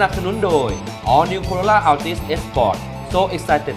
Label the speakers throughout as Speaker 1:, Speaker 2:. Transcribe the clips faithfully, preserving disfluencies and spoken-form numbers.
Speaker 1: นับสนุนโดย All New Corolla Altis S Sport So Excited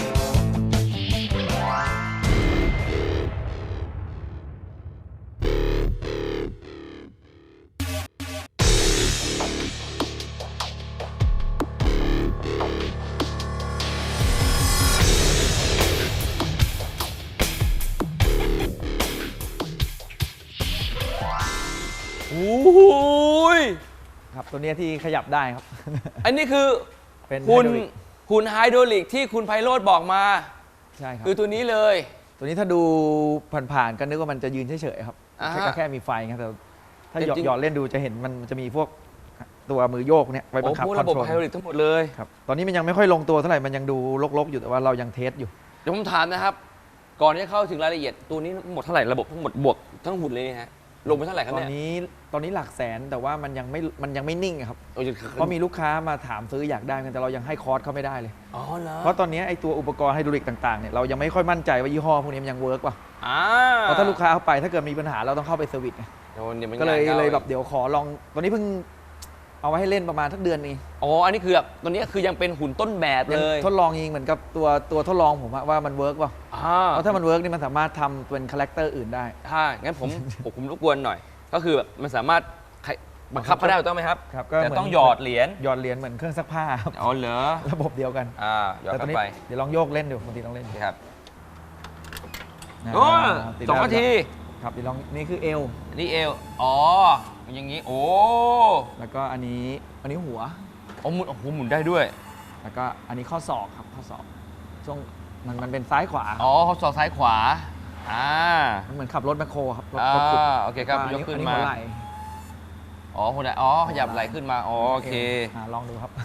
Speaker 1: โอ้ย
Speaker 2: ครับตัวนี้ที่ขยับได้ครับ
Speaker 1: อันนี้คือ
Speaker 2: เป็น
Speaker 1: หุ่น
Speaker 2: ไฮดรอลิก
Speaker 1: หุ่นไฮดรอลิกที่คุณไพโรจน์บอกมา
Speaker 2: ใช่ครับ
Speaker 1: คือตัวนี้เลย
Speaker 2: ตัวนี้ถ้าดูผ่านๆก็นึกว่ามันจะยืนเฉยๆครับ
Speaker 1: อ่าฮะ
Speaker 2: แค่ก็แค่มีไฟครับแต่ถ้า
Speaker 1: แต่
Speaker 2: หยอด
Speaker 1: จริง
Speaker 2: หยอดเล่นดูจะเห็นมันจะมีพวกตัวมือโยกเนี่ยไว้บั
Speaker 1: โอ้
Speaker 2: งคับ
Speaker 1: พวก
Speaker 2: คอน
Speaker 1: ระบบ
Speaker 2: โทรล
Speaker 1: ไฮดรอลิกทั้งหมดเลย
Speaker 2: ครับตอนนี้มันยังไม่ค่อยลงตัวเท่าไหร่มันยังดูรกๆอยู่แต่ว่าเรายังเทสอยู่
Speaker 1: เดี๋ยวผมถามนะครับ ก่อนที่จะเข้าถึงรายละเอียดตัวนี้หมดเท่าไหร่ระบบทั้งหมดบวกทั้งหุ่นเลยนะฮะลงไปเท่าไหร่ครับ
Speaker 2: ตอน
Speaker 1: เนี่ย
Speaker 2: นี้ตอนนี้หลักแสนแต่ว่ามันยังไม่มันยังไม่นิ่งอะครับ
Speaker 1: โอ้ย
Speaker 2: เพราะมีลูกค้ามาถามซื้ออยากได้กันแต่เรายังให้คอร์สเขาไม่ได้เลย
Speaker 1: อ๋อเหรอ
Speaker 2: เพราะตอนนี้ไอตัวอุปกรณ์ไฮดรอลิกต่างๆเนี่ยเรายังไม่ค่อยมั่นใจว่ายี่ห้อพวกนี้มันยังเวิร์กป่ะ
Speaker 1: อ่า
Speaker 2: เพราะถ้าลูกค้าเข้าไปถ้าเกิดมีปัญหาเราต้องเข้าไปเซอร์วิสไง
Speaker 1: โอ้ดี๋วมัน
Speaker 2: ก็เลย
Speaker 1: งานข้า
Speaker 2: เลยแบบเดี๋ยวขอลองตอนนี้เพิ่งเอาไว้ให้เล่นประมาณทักเดือนนี้
Speaker 1: อ๋ออันนี้คือแบบตัวนี้คือยังเป็นหุ่นต้นแบบ
Speaker 2: ยั
Speaker 1: เลย
Speaker 2: ทดลองยิงเหมือนกับตัวตัวทดลองผมอะว่ามันเวิร์กป่ะ
Speaker 1: อ่า
Speaker 2: เพราะถ้ามันเวิร์กนี่มันสามารถทำเป็นคาแรคเตอร์อื่นได้
Speaker 1: ถ้างั้นผม ผมผมรบกวนหน่อย ก็คือแบบมันสามารถใครบังคับเขาได้ถูกต้องไหมครับ
Speaker 2: ครับก็
Speaker 1: แต่
Speaker 2: เหมือน
Speaker 1: ต้องหยอดเหรียญ
Speaker 2: หยอดเหรียญเหมือนเครื่องซักผ้าครับ
Speaker 1: อ๋อเหรอ
Speaker 2: ระบบเดียวกัน
Speaker 1: อ่าหยอด
Speaker 2: แต่ตอ
Speaker 1: เข้าน
Speaker 2: นี้
Speaker 1: ไป
Speaker 2: เดี๋ยวลองโยกเล่นดูบางทีลองเล่น
Speaker 1: โอ
Speaker 2: ดู
Speaker 1: เคครับ
Speaker 2: า
Speaker 1: โอ้
Speaker 2: ติด
Speaker 1: สอง
Speaker 2: แล้ว
Speaker 1: นาที
Speaker 2: ครับเดี๋ยวลองนี่คือเอว
Speaker 1: นี่เอวอ๋ออย่างนี้โอ้
Speaker 2: แล้วก็อันนี้อันนี้หัว
Speaker 1: โอ้หมุนโอ้โหหมุนได้ด้วย
Speaker 2: แล้วก็อันนี้ข้อศอกครับข้อศอกช่วงมันมันเป็นซ้ายขวา
Speaker 1: อ๋อเขาสอดซ้ายขวาอ่า
Speaker 2: มันเหมือนขับรถแมคโครครับรถ
Speaker 1: อ่าร
Speaker 2: ถขุด
Speaker 1: โอเคครับ
Speaker 2: แล้ว
Speaker 1: ยกขึ้น
Speaker 2: อั
Speaker 1: มา
Speaker 2: หัวไหล่
Speaker 1: อ๋อคนไหนอ๋อขยับไหล่ขึ้นมาอ๋อโอเค
Speaker 2: อ่าลองดูครับ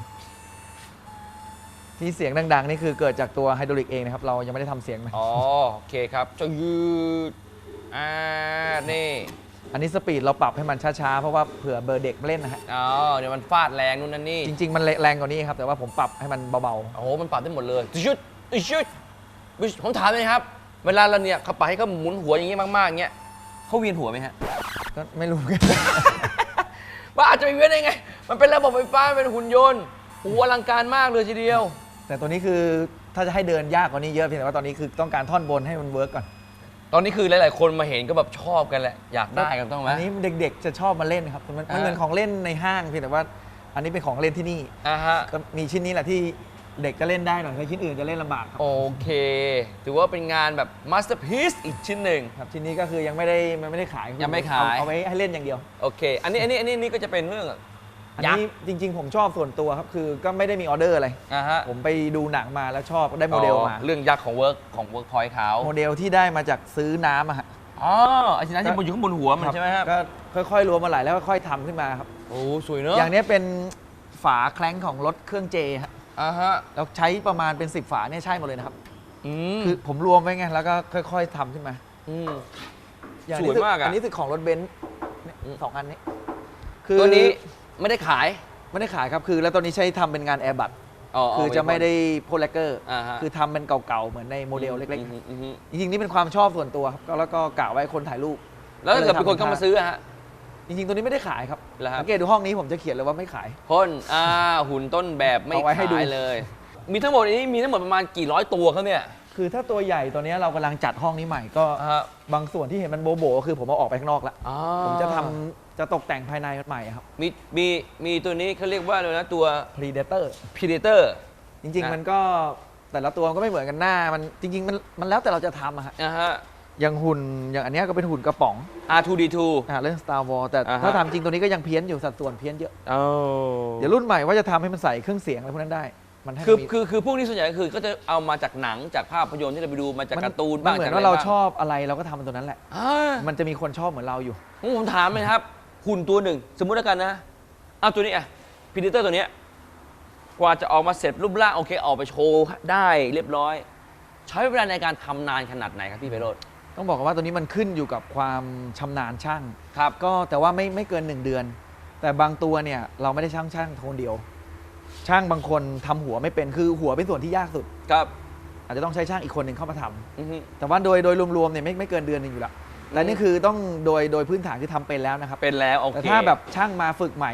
Speaker 2: ที่เสียงดังๆนี่คือเกิดจากตัวไฮดรอลิกเองนะครับเรายังไม่ได้ทำเสียงนะ
Speaker 1: อ๋อโอเคครับจะยืดอ่านี่
Speaker 2: อันนี้สปีดเราปรับให้มันช้าๆเพราะว่าเผื่อเบอร์เด็กมาเล่นนะฮะ
Speaker 1: อ๋อเดี๋ยวมันฟาดแรงนู่นนั่นนี่
Speaker 2: จริงๆมันแรงกว่านี้ครับแต่ว่าผมปรับให้มันเบา
Speaker 1: โอ้โหมันปรับได้หมดเลยชุดชุดผมถามเลยครับ เวลาเราเนี่ยเขาปรับให้เขาหมุนหัวอย่างนี้มากๆอย่างเงี้ยเขาเวียนหัวไหมฮะ
Speaker 2: ๆก็ไม่รู้
Speaker 1: ว่าอาจจะไม่เวียนได้ไง มันเป็นระบบไฟฟ้าเป็นหุ่นยนต์โอ้โหอลังการมากเลยทีเดียว
Speaker 2: แต่ตัวนี้คือถ้าจะให้เดินยากกว่านี้เยอะเพียงแต่ว่าตอนนี้คือต้องการท่อนบนให้มันเวิร์กก่อน
Speaker 1: ตอนนี้คือหลายๆคนมาเห็นก็แบบชอบกันแหละอยากได้กันต้องไหม
Speaker 2: อันนี้เด็กๆจะชอบมาเล่นครับมันมัน
Speaker 1: อ่า
Speaker 2: เหมือนของเล่นในห้างเพียงแต่ว่า อันนี้เป็นของเล่นที่นี่
Speaker 1: อ่าฮะ
Speaker 2: ก็มีชิ้นนี้แหละที่เด็กจะเล่นได้หน่อยถ้าชิ้นอื่นจะเล่นลำบากครับ
Speaker 1: โอเค ถือว่าเป็นงานแบบมาสเตอร์พีซอีกชิ้นหนึ่ง
Speaker 2: ครับชิ้นนี้ก็คือยังไม่ได้มันไม่ได้ขาย
Speaker 1: ยังไม่ขาย
Speaker 2: เอเอาไว้ให้เล่นอย่างเดียว
Speaker 1: โอเค อันนี้อันนี้อันนี้นี่ก็จะเป็นเรื่อง
Speaker 2: อัน
Speaker 1: ยัก
Speaker 2: นี้
Speaker 1: ษ์
Speaker 2: จริง ๆ ผมชอบส่วนตัวครับคือก็ไม่ได้มีออเดอร์อะไร
Speaker 1: อ่าฮะ
Speaker 2: ผมไปดูหนังมาแล้วชอบได้โมเดลมา
Speaker 1: อ๋อเรื่องยักษ์ของเวิร์กของเวิร์กพอยต์เขา
Speaker 2: โมเดลที่ได้มาจากซื้อน้ำอะฮะ
Speaker 1: อ๋อไอ้ชิ้นนั้นที่มันอยู่ข้างบนหัวมันใช่ไหมครับ
Speaker 2: ก็ค่อยๆรวมมาหลายแล้วค่อยๆทำขึ้นมาครับ
Speaker 1: โอ้สวยเนอะ
Speaker 2: อย่างนี้เป็นฝาแคล้งของรถเครื่องเจฮะ
Speaker 1: อ่าฮะ
Speaker 2: เราใช้ประมาณเป็นสิบฝาเนี่ยใช่หมดเลยนะครับ
Speaker 1: อืม
Speaker 2: คือผมรวมไว้ไงแล้วก็ค่อยๆทำขึ้นมา
Speaker 1: ม
Speaker 2: อย่าง
Speaker 1: ส
Speaker 2: นี้
Speaker 1: วยมากอะ
Speaker 2: อันนี้คือของรถเบนซ์เนี่ย
Speaker 1: อืม
Speaker 2: สองอันนี้
Speaker 1: ตัวนี้ไม่ได้ขาย
Speaker 2: ไม่ได้ขายครับคือแล้วตัวนี้ใช้ทำเป็นงานแอร์บัต
Speaker 1: อ๋อ
Speaker 2: คือจะไม่ได้โพลแลกเกอร์
Speaker 1: อ่าฮะ
Speaker 2: คือทำเป็นเก่าๆ เหมือนในโมเดลเล็ก
Speaker 1: อืมอืมอืม
Speaker 2: ๆ จริงๆ นี่เป็นความชอบส่วนตัวครับก็แล้วก็กะไว้คนถ่ายรูป
Speaker 1: แล้วถ้าเกิดมีคนเข้ามาซื้ออะฮะ
Speaker 2: จริงๆ ตัวนี้ไม่ได้ขายครับ
Speaker 1: เหรอครับ
Speaker 2: สังเกตดูห้องนี้ผมจะเขียนเลยว่าไม่ขาย
Speaker 1: พ่นอ่าหุ่นต้นแบบไม่
Speaker 2: เอาไว้ให้ดู
Speaker 1: ขายเลย มีทั้งหมดนี้มีทั้งหมดประมาณกี่ร้อยตัวครับเนี่ย
Speaker 2: คือถ้าตัวใหญ่ตัวนี้เรากำลังจัดห้องนี้ใหม่ก็
Speaker 1: อ่าฮะ
Speaker 2: บางส่วนที่เห็นมันโบโบๆคือผมเอาออกไปข้างนอกแล้ว
Speaker 1: อ๋อ
Speaker 2: ผมจะทำจะตกแต่งภายในใหม่ครับ
Speaker 1: มีมีมีตัวนี้เขาเรียกว่าอะไรนะตัว
Speaker 2: Predator
Speaker 1: Predator
Speaker 2: จริง
Speaker 1: นะ
Speaker 2: ๆ มันก็แต่ละตัวมันก็ไม่เหมือนกันหน้ามันจริง ๆ มันมันแล้วแต่เราจะทำอะฮะ
Speaker 1: อ่าฮะ
Speaker 2: อย่างหุ่นอย่างอันเนี้ยก็เป็นหุ่นกระป๋อง
Speaker 1: อาร์ ทู ดี ทู
Speaker 2: อ่าเรื่อง Star Wars แต่
Speaker 1: อ่าฮะ
Speaker 2: ถ้าทำจริงตัวนี้ก็ยังเพี้ยนอยู่สัดส่วนเพี้ยนเยอะ
Speaker 1: โอ้
Speaker 2: เดี๋ยวรุ่นใหม่ว่าจะทำให้มันใส่เครื่องเสียงอะไรพวกนั้นได้ มันให้
Speaker 1: คือ
Speaker 2: มันมี
Speaker 1: คือคือพวกนี้ส่วนใหญ่ก็คือก็จะเอามาจากหนังจากภาพยนตร์ที่เราไปดูมาจากการ์ตูน
Speaker 2: มั
Speaker 1: บ้าง
Speaker 2: เหมือ
Speaker 1: จาก
Speaker 2: น
Speaker 1: อะไร
Speaker 2: ว่าเรา
Speaker 1: บ้าง
Speaker 2: ชอบอะไรเราก็ทำมันตัวนั้นแหละ
Speaker 1: อ่า
Speaker 2: มันจะมีคนชอบเหมือนเราอยู่
Speaker 1: ผมผมถามเลยครับ หุ่นตัวหนึ่ง สมมุติแล้วกันนะ เอาตัวนี้อะพีดิเตอร์ตัวเนี้ยกว่าจะออกมาเสร็จรูปร่างโอเคออกไปโชว์ได้เรียบร้อย ใช้เวลาในการทำนานขนาดไหนครับพี่ไพโรจน์
Speaker 2: ต้องบอกว่าตัวนี้มันขึ้นอยู่กับความชำนาญช่าง
Speaker 1: ครับ
Speaker 2: ก็แต่ว่าไม่ไม่เกินหนึ่งเดือน แต่บางตัวเนี่ยเราไม่ได้ช่างช่างคนเดียว ช่างบางคนทำหัวไม่เป็นคือหัวเป็นส่วนที่ยากสุด
Speaker 1: ครับ
Speaker 2: อาจจะต้องใช้ช่างอีกคนหนึ่งเข้ามาทำ
Speaker 1: อือฮึ
Speaker 2: แต่ว่าโดยโดยรวมๆเนี่ยไม่ไม่เกินเดือนหนึงอยู่แล้วแต่นี่คือต้องโดยโดยพื้นฐานคือทำเป็นแล้วนะครับ
Speaker 1: เป็นแล้วโอ
Speaker 2: แต่
Speaker 1: เค
Speaker 2: ถ้าแบบช่างมาฝึกใหม่เนี่ย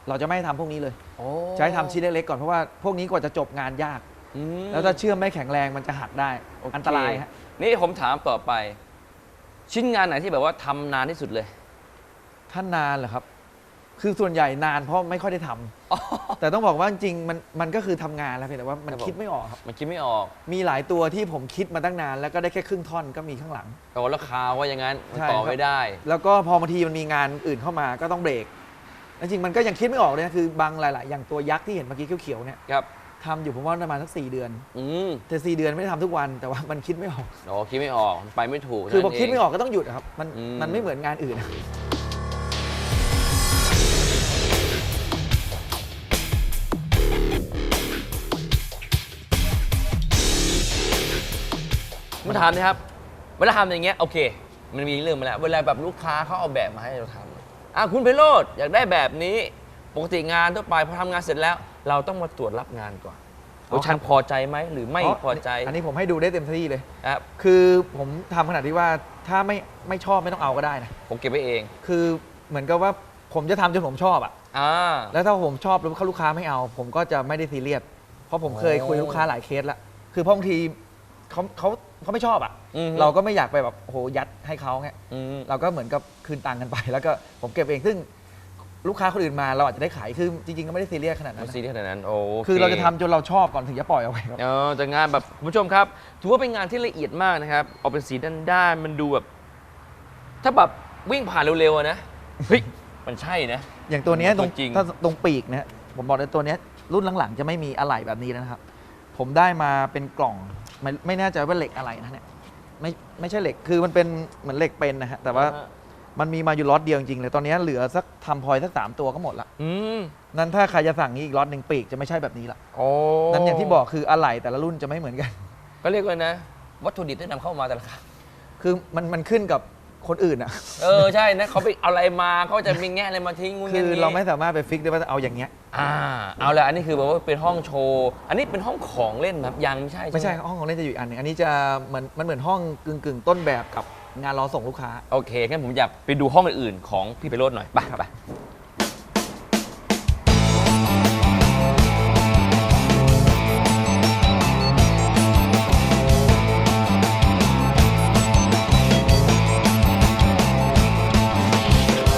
Speaker 2: เราจะไม่ให้ทำพวกนี้เลย
Speaker 1: โอ้
Speaker 2: จะให้ทำชิ้นเล็กๆก่อนเพราะว่าพวกนี้กว่าจะจบงานยาก
Speaker 1: อืม
Speaker 2: แล้วถ้าเชื่อมไม่แข็งแรงมันจะหักได้
Speaker 1: โอเค
Speaker 2: อันตรายฮะ
Speaker 1: นี่ผมถามต่อไป ชิ้นงานไหนที่แบบว่าทำนานที่สุดเลย
Speaker 2: ถ้านานเหรอครับ คือส่วนใหญ่นานเพราะไม่ค่อยได้ทำ แต่ต้องบอกว่าจริงๆมันมันก็คือทำงานแล้วเพียงแต่ว่ามัน
Speaker 1: ครับผม
Speaker 2: คิดไม่ออกครับ
Speaker 1: มันคิดไม่ออก
Speaker 2: มีหลายตัวที่ผมคิดมาตั้งนานแล้วก็ได้แค่ครึ่งท่อนก็มีข้างหลัง
Speaker 1: แต่ว่าราคาว่าอย่างนั้นมัน
Speaker 2: ใช่
Speaker 1: ต่อ
Speaker 2: ครับ
Speaker 1: ไม่ได้
Speaker 2: แล้วก็พอบางทีมันมีงานอื่นเข้ามาก็ต้องเบรกจริงๆมันก็ยังคิดไม่ออกเลยนะคือบางหลาย ๆ อย่างตัวยักษ์ที่เห็นเมื่อกี้เขียวๆเนี่ย
Speaker 1: ครับ
Speaker 2: ทำอยู่ผมว่าประมาณสักสี่เดือน
Speaker 1: อืม
Speaker 2: แต่สี่เดือนไม่ได้ทำทุกวันแต่ว่ามันคิดไม่ออก
Speaker 1: โอ้คิดไม่ออกไปไม่ถูก
Speaker 2: คือพอ
Speaker 1: นั่นเง
Speaker 2: คิดไม่ออกก็ต้องหยุดอะครับมัน
Speaker 1: อืม
Speaker 2: มันไม่เหมือนงานอื่น
Speaker 1: มาถามนะครับ เวลาทำอย่างเงี้ยโอเค มันมีเรื่องมาแล้ว เวลาแบบลูกค้าเขาเอาแบบมาให้เราทำอ่ะคุณไพโรจน์อยากได้แบบนี้ ปกติงานทั่วไปพอทำงานเสร็จแล้ว เราต้องมาตรวจรับงานก่อน
Speaker 2: อ๋อ
Speaker 1: ว่าฉันพอใจไหมหรือไม่พอใจ
Speaker 2: อันนี้ผมให้ดูได้เต็มที่เลย
Speaker 1: ครับ
Speaker 2: คือผมทำขนาดที่ว่าถ้าไม่ไม่ชอบไม่ต้องเอาก็ได้นะ
Speaker 1: ผมเก็บไว้เอง
Speaker 2: คือเหมือนกับว่าผมจะทำจนผมชอบอะ
Speaker 1: อ่า
Speaker 2: แล้วถ้าผมชอบแล้วลูกค้าไม่เอา ผมก็จะไม่ได้ซีเรียสเพราะผมเคย
Speaker 1: โอ้
Speaker 2: คุยลูกค้าหลายเคสแล้วคือเพราะบางทีเขาเขาเขาไม่ชอบอะ
Speaker 1: อืม
Speaker 2: เราก็ไม่อยากไปแบบโอ้โหยัดให้เขาเงี้ย
Speaker 1: อืม
Speaker 2: เราก็เหมือนกับคืนตังค์กันไป แล้วก็ผมเก็บเองซึ่งลูกค้าคนอื่นมาเราอาจจะได้ขายคือจริงๆก็ไม่ได้ซีเรียสขนาดนั้
Speaker 1: มัน
Speaker 2: น
Speaker 1: ซี
Speaker 2: นะ
Speaker 1: เรียสขนาดนั้นโอเค
Speaker 2: คือเราจะทำจนเราชอบก่อนถึงจะปล่อยเอาไว้ครับ
Speaker 1: เออแต่งานแบบคุณผู้ชมครับ ถือว่าเป็นงานที่ละเอียดมากนะครับ ออกเป็นสีด้านๆมันดูแบบ ถ้าแบบวิ่งผ่านเร็วๆอะนะ เฮ้ย มันใช่นะ
Speaker 2: อย่างตัวเนี้ยตรง
Speaker 1: จริง
Speaker 2: ถ้าตรงปีกนะฮะผมบอกเลยตัวเนี้ยรุ่นหลังๆจะไม่มีอะไหล่แบบนี้แล้วนะครับ ผมได้มาเป็นกล่องไม่ไม่แน่ใจว่าเหล็กอะไรนะเนี่ยไม่ไม่ใช่เหล็กคือมันเป็นเหมือนเหล็กเป็นนะฮะแต่ว่า
Speaker 1: อ่า
Speaker 2: มันมีมาอยู่ล็อตเดียวจริงๆเลยตอนนี้เหลือสักทำพลอยสักสามตัวก็หมดละ
Speaker 1: อืม
Speaker 2: นั้นถ้าใครจะสั่งนี้อีกล็อตหนึ่งปีกจะไม่ใช่แบบนี้ละ
Speaker 1: โอ้
Speaker 2: นั้นอย่างที่บอกคืออะไหล่แต่ละรุ่นจะไม่เหมือนกัน
Speaker 1: ก็เรียกว่านะ วัตถุดิบที่นำเข้ามาแต่ละครั้ง
Speaker 2: คือมันมันขึ้นกับคนอื่นอ่ะ
Speaker 1: เออ ใช่นะเขาไปเอาอะไรมาเขาจะมีแง่อะไรมาทิ้งงู
Speaker 2: คื
Speaker 1: งี้
Speaker 2: อเราไม่สามารถไปฟิกได้ว่าจะเอาอย่างเงี้ย
Speaker 1: อ่า เอาละอันนี้คือแบบว่าเป็นห้องโชว์ อันนี้เป็นห้องของเล่นครับยังไม่ใช่
Speaker 2: ไม่ใช่
Speaker 1: ห
Speaker 2: ห้องของเล่นจะอยู่อีกอันหนึงอันนี้จะเหมือนมันเหมือนห้องกึ่งกึ่งๆต้นแบบกับงานรอส่งลูกค้า
Speaker 1: โอเคงั้นผมอยากไปดูห้องอื่นๆของพี่ไพโรจน์หน่อยไปไป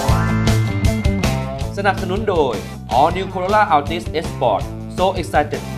Speaker 1: สนับสนุนโดย All New Corolla Altis S Sport So Excited